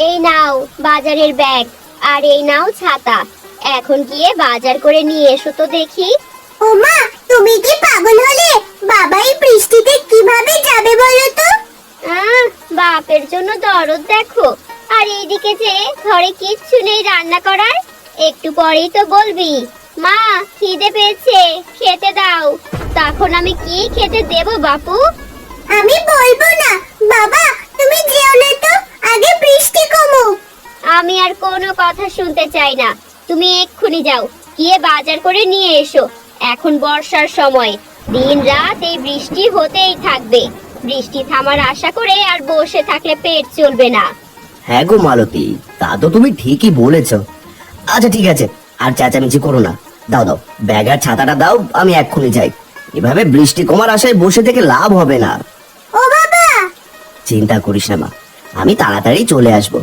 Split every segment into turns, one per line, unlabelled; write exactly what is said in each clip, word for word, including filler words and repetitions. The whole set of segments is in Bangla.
এই নাও বাজারের ব্যাগ, আর এই নাও ছাতা। এখন গিয়ে বাজার করে নিয়ে এসো তো দেখি।
ওমা, তুমি কি পাগল হলে? বাবা এই বৃষ্টিতে কিভাবে যাবে বলো তো?
আহ বাপের জন্য দরদ দেখো। আর এইদিকে যে ঘরে কিচ্ছু নেই রান্না করার। একটু পরেই তো বলবি মা খিদে পেয়েছে, খেতে দাও। তখন আমি কি খেতে দেব বাপু?
আমি বলবো না। বাবা তুমি যেও না তো, আগে বৃষ্টি কমুক।
আমি আর কোনো কথা শুনতে চাই না। তুমি এক্ষুনি যাও, গিয়ে বাজার করে নিয়ে এসো। এখন বর্ষার সময়, দিন রাত এই বৃষ্টি হতেই থাকবে। বৃষ্টি থামার আশা করে আর বসে থাকলে পেট চলবে না।
হ্যাঁ গো মালতী, তা তো তুমি ঠিকই বলেছো। আচ্ছা ঠিক আছে, আর চেঁচামেচি করো না। দাও দাও, ব্যাগ আর ছাতাটা দাও, আমি এক্ষুনি যাই। এভাবে বৃষ্টি কমার আশায় বসে থেকে লাভ হবে না।
ও বাবা!
চিন্তা করিস না মা, আমি তাড়াতাড়ি চলে আসবো।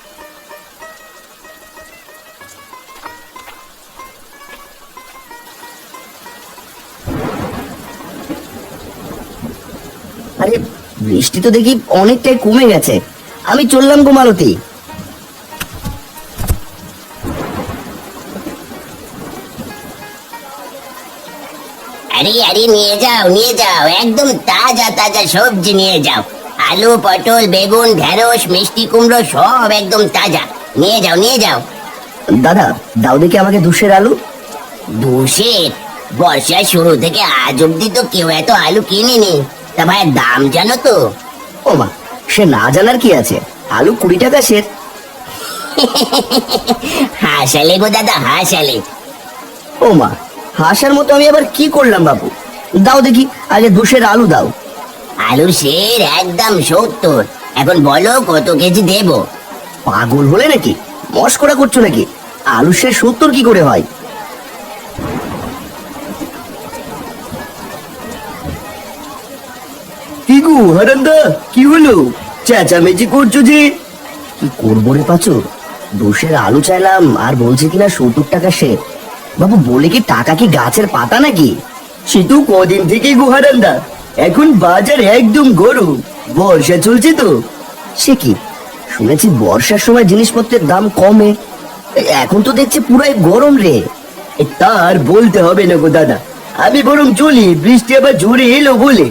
আরে বৃষ্টি তো দেখি অনেকটাই কমে গেছে। আমি চললাম গো মালতী।
আরে আরে নিয়ে যাও নিয়ে যাও, একদম তাজা তাজা সবজি নিয়ে যাও। আলু, পটল, বেগুন, ঢেঁড়স, মিষ্টি কুমড়ো সব একদম তাজা। নিয়ে যাও নিয়ে যাও।
দাদা দাও দেখি আমাকে দুশের আলু।
দুশের? বর্ষার শুরু থেকে আজ অব্দি তো কেউ এত আলু কিনেনি। তা ভাইয়ের দাম জানো তো?
ও মা, সে না জানার কি আছে, আলু কুড়ি টাকা সের।
হাসালে গো দাদা হাসালে।
ও মা, হাসার মতো আমি আবার কি করলাম বাবু? দাও দেখি আগে দুশের আলু দাও।
আলু সের একদম সত্তর। এখন বলো কত কেজি দেবো?
পাগল হলে নাকি? মস্করা করছো নাকি? আলু সে সত্তর কি করে হয়? কি গো হারান্দা, কি হলো? চেঁচামেচি করছো যে? কি করবো রে পাচু, দুশের আলু চাইলাম আর বলছে কিনা সত্তর টাকা সে। বাবু বলে কি টাকা কি গাছের পাতা নাকি? সে তো কদিন থেকে গো হারান্দা, এখন বাজার একদম গরম, বর্ষা চলছে তো। সে কি, শুনেছি বর্ষার সময় জিনিসপত্রের দাম কমে, এখন তো দেখছি পুরাই গরম রে। এ তার বলতে হবে না গো দাদা, আমি বরং চলি, বৃষ্টি আবার জোরে এলো বলে।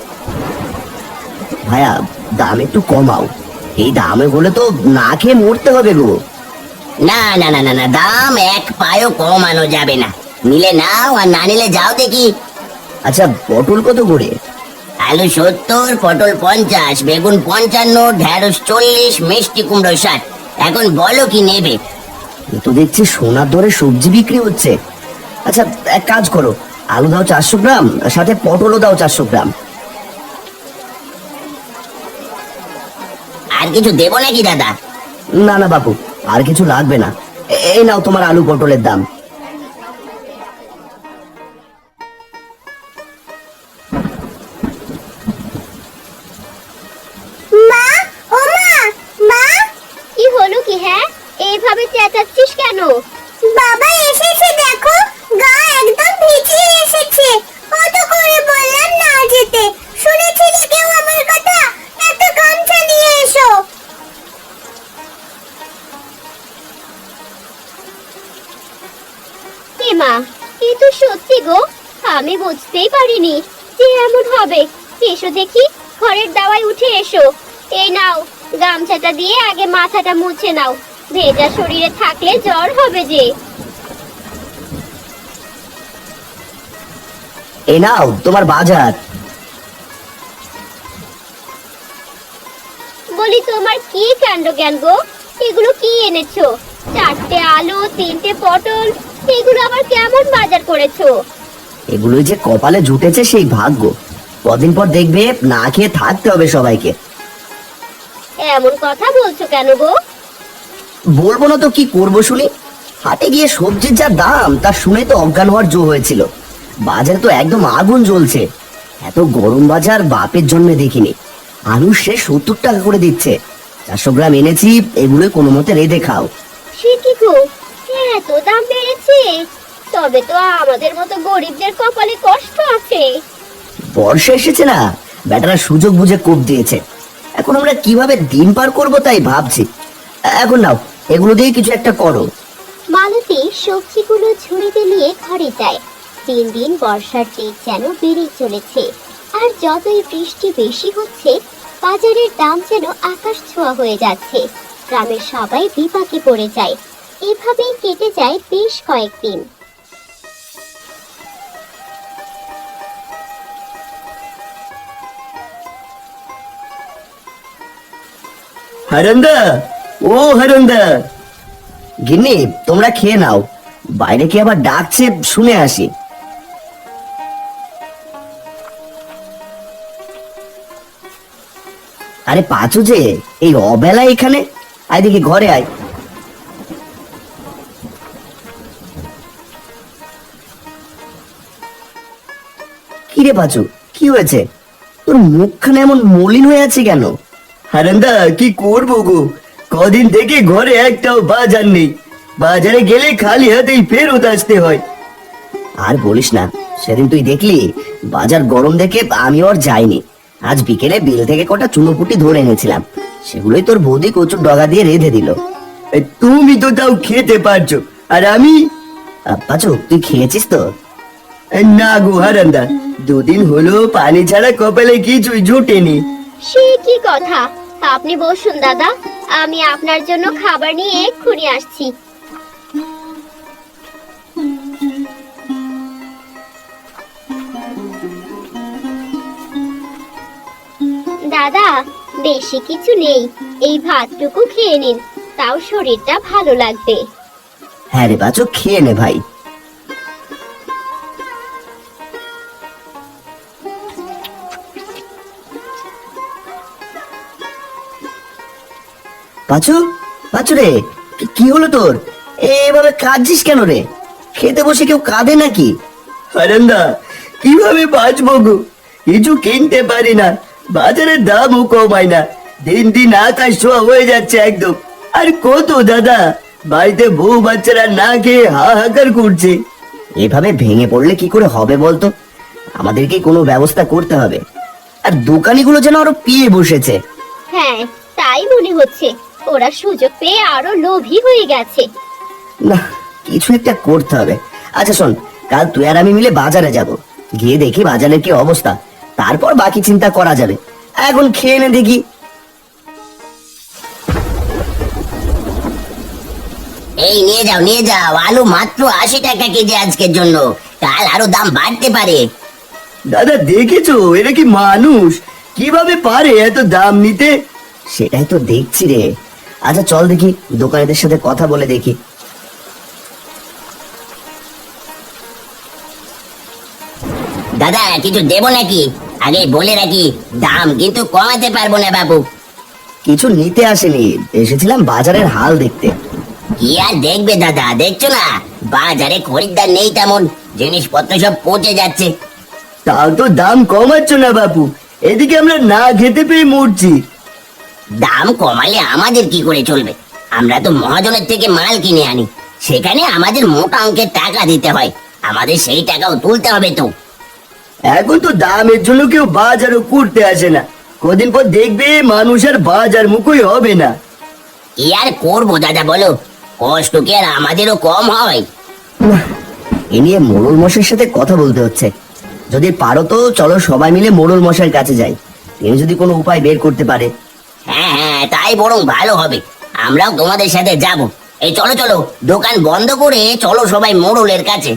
ভাইয়া দাম একটু কমাও, এই দামে হলে তো না খেয়ে মরতে হবে গো।
না না না না না, দাম এক পায়ও কমানো যাবে না। নিলে নাও আর না নিলে যাও দেখি।
আচ্ছা পটল কত করে?
আলু সত্তর, পটল পঞ্চাশ, বেগুন পঞ্চান্ন, ঢেঁড়স চল্লিশ, মিষ্টি কুমড়ো ষাট। এখন বলো কি নেবে?
এ তো দেখছি সোনার দরে সবজি বিক্রি হচ্ছে। আচ্ছা এক কাজ করো, আলু দাও চারশো গ্রাম, সাথে পটলও দাও চারশো গ্রাম।
আর কিছু দেবো নাকি দাদা?
না না বাবু, আর কিছু লাগবে না। এ- এই নাও তোমার আলু পটলের দাম।
মা, ও মা, মা!
কি হলো কি? হ্যাঁ এইভাবে চেঁচাচ্ছিস কেন?
বাবা এসেছে দেখো, গা একদম ভিজিয়ে এসেছে। কত করে বললাম না যেতে, শুনেছিলে কেউ আমার কথা? একটা গামছা নিয়ে এসো।
এ মা, এ তো সত্যি গো, আমি বুঝতেই পারিনি যে এমন হবে। এসো দেখি, ঘরের দাওয়ায় উঠে এসো। এই নাও গামছাটা দিয়ে আগে মাথাটা মুছে নাও, ভেজা শরীরে থাকলে জ্বর হবে যে।
এই নাও তোমার বাজার।
বলি তোমার কি কাণ্ড জ্ঞান গো, এগুলো কি এনেছো? চারটে আলু, তিনটে পটল, এগুলো আবার কেমন বাজার করেছো?
এগুলোই যে কপালে জুটেছে সেই ভাগ্য, কদিন পর দেখবে না খেয়ে থাকতে হবে সবাইকে।
এমন কথা বলছো কেন গো?
বলবো না তো কি করবো শুনি? হাটে গিয়ে সবজির যা দাম তা শুনে তো অজ্ঞান হওয়ার জো হয়েছিল। বাজারে তো একদম আগুন জ্বলছে। এত গরম বাজার বাপের জন্মে দেখিনি। আলু সে সত্তর টাকা করে দিচ্ছে। চারশো গ্রাম এনেছি, এগুলো কোনো মতে রেঁধে খাও।
সে কি গো, এত দাম বেড়েছে? তবে তো আমাদের মতো গরিবদের কপালে কষ্ট আছে।
বর্ষা এসেছে না, বেটারা সুযোগ বুঝে কোপ দিয়েছে। এখন আমরা কিভাবে দিন পার করব তাই ভাবছি। এখন নাও, এগুলো দিয়ে কিছু একটা করো।
মালতী সবজিগুলো ঝুড়িতে নিয়ে ঘরে যায়। দিন দিন বর্ষার তেজ যেন বেড়েই চলেছে, আর যতই বৃষ্টি বেশি হচ্ছে বাজারের দাম যেন আকাশ ছোঁয়া হয়ে যাচ্ছে। গ্রামের সবাই বিপাকে পড়ে যায়। এভাবেই কেটে যায় বেশ কয়েকদিন।
হারান্দা, ও হারান্দা। গিন্নি, তোমরা খেয়ে নাও, বাইরে কি আবার ডাকছে, শুনে আসি। আরে পাঁচু যে, এই অবেলা এখানে? আয় দেখি, ঘরে আয়। কি রে পাঁচু, কি হয়েছে? তোর মুখখানে এমন মলিন হয়ে আছে কেন? হারান্দা, কি করবো গো, কদিন থেকে ঘরে একটাও বাজার নেই। বাজারে গেলে খালি হাতেই ফেরত আসতে হয়। আর বলিস না, সেদিন তুই দেখলি বাজার গরম দেখে আমি আর যাইনি। আজ বিকেলে বিল থেকে কটা চুনোপুটি ধরে এনেছিলাম, সেগুলোই তোর বৌদি কচুর ডগা দিয়ে রেঁধে দিল। তুমি তো তাও খেতে পারছো, আর আমি? পাচু, তুই খেয়েছিস তো? না গো হারান্দা, দুদিন হলো পানি ছাড়া কপালে কিছুই জোটেনি।
সে কি কথা? আপনি বসুন দাদা, আমি আপনার জন্য খাবার নিয়ে এক্ষুনি আসছি। দাদা, বেশি কিছু নেই, এই ভাতটুকু খেয়ে নিন, তাও শরীরটা ভালো লাগবে।
হ্যাঁ রে বাচো, খেয়ে নে ভাই। পাচু, পাচু রে, কি- কি হলো তোর? এভাবে কাঁদছিস কেন রে? খেতে বসে কেউ কাঁদে নাকি? হারান্দা, কিভাবে বাঁচবো গো, কিছু কিনতে পারি না, বাজারের দামও কমায় না, দিন দিন আকাশ ছোঁয়া হয়ে যাচ্ছে একদম। আর কত দাদা, বাড়িতে বউ বাচ্চারা না খেয়ে হাহাকার করছে। এভাবে ভেঙে পড়লে কি করে হবে বলতো? আমাদেরকে কোনো ব্যবস্থা করতে হবে। আর দোকানিগুলো যেন আরো পিয়ে বসেছে।
হ্যাঁ, তাই মনে হচ্ছে, ওরা সুযোগ পেয়ে আরো লোভী হয়ে গেছে।
না, কিছু একটা করতে হবে। আচ্ছা শোন, কাল তুই আর আমি মিলে বাজারে যাব, গিয়ে দেখি বাজারের কি অবস্থা, তারপর বাকি চিন্তা করা যাবে। এখন খেয়ে নে দেখি।
এই নিয়ে যাও নিয়ে যাও, আলু মাত্র আশি টাকা কেজি আজকের জন্য, কাল আরো দাম বাড়তে পারে।
দাদা দেখেছো, এরা কি মানুষ? কিভাবে পারে এত দাম নিতে? সেটাই তো দেখছি রে। আচ্ছা চল দেখি, দোকানিদের সাথে কথা বলে দেখি।
দাদা, কিছু দেবো নাকি? আগে বলে রাখি, দাম কিন্তু কমাতে পারবো না বাবু।
কিছু নিতে আসেনি, এসেছিলাম বাজারের হাল দেখতে।
কি আর দেখবে দাদা, দেখছো না বাজারে খরিদ্দার নেই তেমন, জিনিসপত্র সব পচে যাচ্ছে।
তাও তো দাম কমাচ্ছ না বাপু, এদিকে আমরা না খেতে পেয়ে মরছি।
দাম কমালে আমাদের কি করে চলবে? আমরা তো মহাজনের থেকে মাল কিনে আনি, সেখানে আমাদের মোটা অঙ্কের টাকা দিতে হয়, আমাদের সেই টাকাও তুলতে হবে তো।
এখন তো দামের জন্য কেউ বাজারও করতে আসে না, কদিন পর দেখবে মানুষ আর বাজার মুখই হবে না।
কি আর করবো দাদা বলো, কষ্ট কি আর আমাদেরও কম হয়?
নাহ, এ নিয়ে মোড়ল মশাইয়ের সাথে কথা বলতে হচ্ছে। যদি পারো তো চলো সবাই মিলে মোড়ল মশাইয়ের কাছে যাই, তিনি যদি কোনো উপায় বের করতে পারে।
হ্যাঁ হ্যাঁ, তাই বরং ভালো হবে, আমরাও তোমাদের সাথে যাব। এই চলো চলো, দোকান বন্ধ করে চলো সবাই মোড়লের কাছে।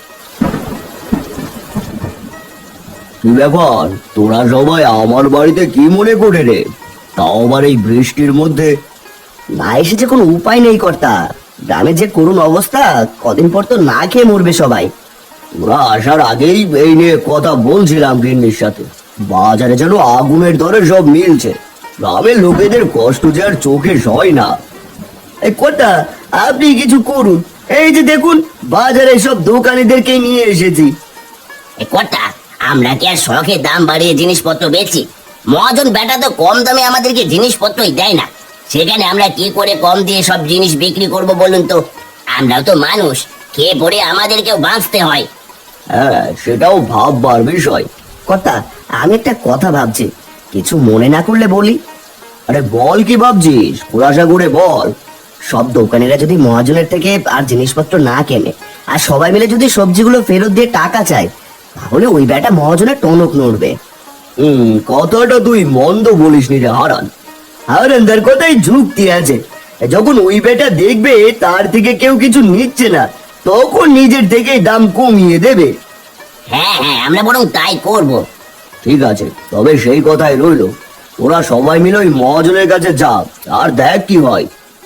কি ব্যাপার, তোরা সবাই আমার বাড়িতে কি মনে করে রে? তাও আবার এই বৃষ্টির মধ্যে? না এসেছে কোনো উপায় নেই কর্তা, গ্রামের যে করুণ অবস্থা, কদিন পর তো না খেয়ে মরবে সবাই। ওরা আসার আগেই এই নিয়ে কথা বলছিলাম গিন্নির সাথে, বাজারে যেন আগুনের দরে সব মিলছে, গ্রামের লোকেদের কষ্ট যে আর চোখে সয় না। এই কর্তা, আপনি কিছু করুন, এই যে দেখুন বাজারে সব দোকানিদেরকে নিয়ে এসেছি।
এ কর্তা, আমরা কি আর শখে দাম বাড়িয়ে জিনিসপত্র বেচি? মহাজন বেটা তো কম দামে আমাদেরকে জিনিসপত্রই দেয় না, সেখানে আমরা কি করে কম দিয়ে সব জিনিস বিক্রি করব বলুন তো? আমরাও তো মানুষ, খেয়ে পড়ে আমাদেরকেও বাঁচতে হয়।
হ্যাঁ, সেটাও ভাববার বিষয়। কর্তা, আমি একটা কথা ভাবছি, কিছু মনে না করলে বলি। আরে বল কি ভাবছিস, খোলাসা করে বল। সব দোকানিরা যদি মহাজনের থেকে আর জিনিসপত্র না কেনে, আর সবাই মিলে যদি সবজিগুলো ফেরত দিয়ে টাকা চায়, তাহলে ওই বেটা মহাজনের টনক নড়বে। হুম, কথাটা তুই মন্দ বলিস নি রে হারান। হারান তার কথাই যুক্তি আছে। যখন ওই বেটা দেখবে তার থেকে কেউ কিছু নিচ্ছে না, তখন নিজের থেকেই দাম কমিয়ে দেবে।
হ্যাঁ হ্যাঁ, আমরা বরং তাই করব।
ঠিক আছে, তবে সেই কথাই রইলো, ওরা সবাই মিলে ওই মহাজনের কাছে যা, আর দেখ কি হয়।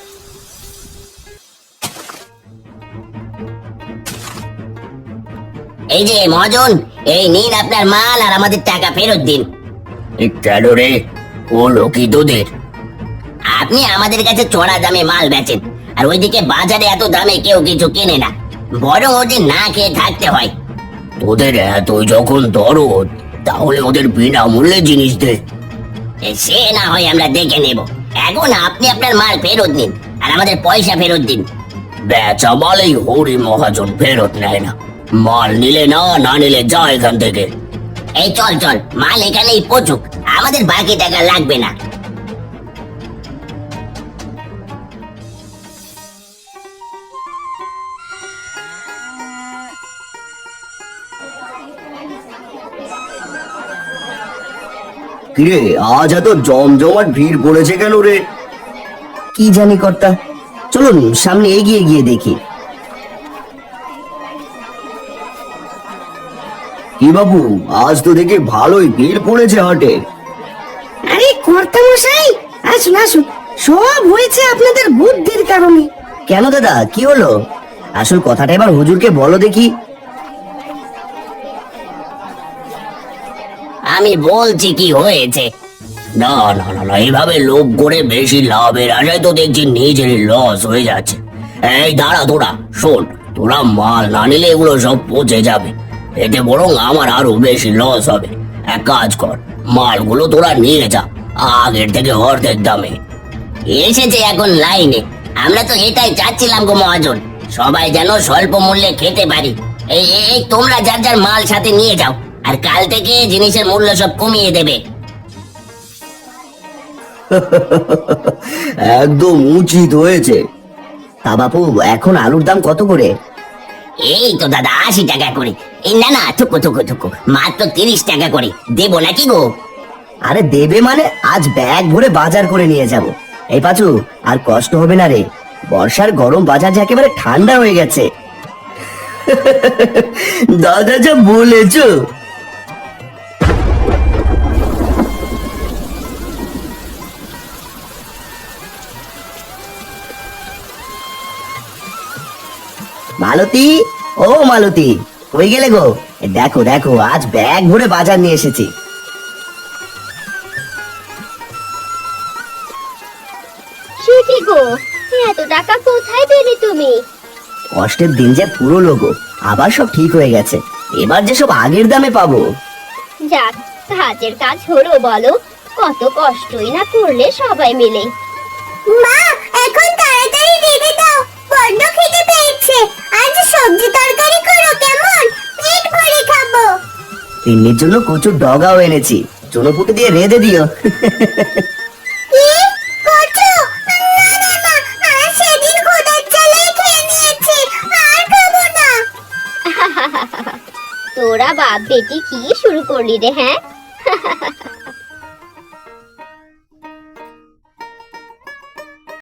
এই যে মহাজন, এই নিন আপনার মাল আর আমাদের টাকা ফেরত দিন।
কেন রে, ও লোকি তোদের?
আপনি আমাদের কাছে চড়া দামে মাল বেচেন, আর ওইদিকে বাজারে এত দামে কেউ কিছু কেনে না, বরং ওদের না খেয়ে থাকতে হয়।
তোদের এত যখন দরদ, তাহলে ওদের বিনামূল্যে জিনিস দে।
এ, সে না হয় আমরা দেখে নেব। এখন আপনি আপনার মাল ফেরত নিন আর আমাদের পয়সা ফেরত দিন।
বেচা মালেই হরি মহাজন ফেরত নেয় না। মাল নিলে না, না নিলে যা এখান থেকে।
এই চল চল, মাল এখানেই পচুক, আমাদের বাকি টাকা লাগবে না।
কিরে, আজ এত জমজমাট ভিড় পড়েছে কেন রে? কি জানি কর্তা, চলুন সামনে এগিয়ে গিয়ে দেখি। কি বাবু, আজ তো দেখি ভালোই ভিড় পড়েছে হাটে।
আরে কর্তা মশাই, আসুন আসুন, সব হয়েছে আপনাদের বুদ্ধির কারণে।
কেন দাদা, কি হলো? আসল কথাটা এবার হুজুরকে বলো দেখি।
আমি বলছি কি হয়েছে।
না না না না, এইভাবে লোভ করে বেশি লাভের আশায় তো দেখছি নিজেরই লস হয়ে যাচ্ছে। এই দাঁড়া তোরা, শোন, তোরা মাল না নিলে এগুলো সব পচে যাবে, এতে বরং আমার আরো বেশি লস হবে। এক কাজ কর, মালগুলো তোরা নিয়ে যা আগের থেকে অর্ধেক দামে।
এসেছে এখন লাইনে, আমরা তো এটাই চাচ্ছিলাম গো মহাজন, সবাই যেন স্বল্প মূল্যে খেতে পারি। এই এই- এই তোমরা যার যার মাল সাথে নিয়ে যাও, আর কাল থেকে জিনিসের মূল্য সব কমিয়ে দেবে।
একদম উচিত হয়েছে। তা বাপু, এখন আলুর দাম কত করে?
এই তো দাদা আশি টাকা করে। এই না না, থুকু থুকু থুকু, মাত্র তিরিশ টাকা করে দেবো নাকি গো?
আরে দেবে মানে, আজ ব্যাগ ভরে বাজার করে নিয়ে যাব। এই পাচু, আর কষ্ট হবে না রে, বর্ষার গরম বাজার যে একেবারে ঠান্ডা হয়ে গেছে। দাদা যা বলেছো। মালতী, ও মালতী, কই গেলে গো? এ দেখো দেখো, আজ ব্যাগ ভরে বাজার নিয়ে এসেছি।
সে কি গো, এত টাকা কোথায় পেলে তুমি?
কষ্টের দিন যে পুরো লোগো, আবার সব ঠিক হয়ে গেছে, এবার যে সব আগের দামে পাবো।
যাক, কাজের কাজ হলো বলো, কত কষ্টই না করলে সবাই মিলে।
মা, এখন তাড়াতাড়ি রেঁধে দাও, বড্ড খিদে পেয়েছে। আজ সবজি তরকারি করো কেমন, পেট ভরে খাবো।
তিন্নির জন্য কচুর ডগাও এনেছি, চুনোপুটি দিয়ে রেঁধে দিও।
কি করছো? না না না, আর সেদিন খোদার চালাই খেয়ে নিয়েছি, আর খাবো না।
তোরা বাপ বেটি কি শুরু করলি রে, হ্যাঁ?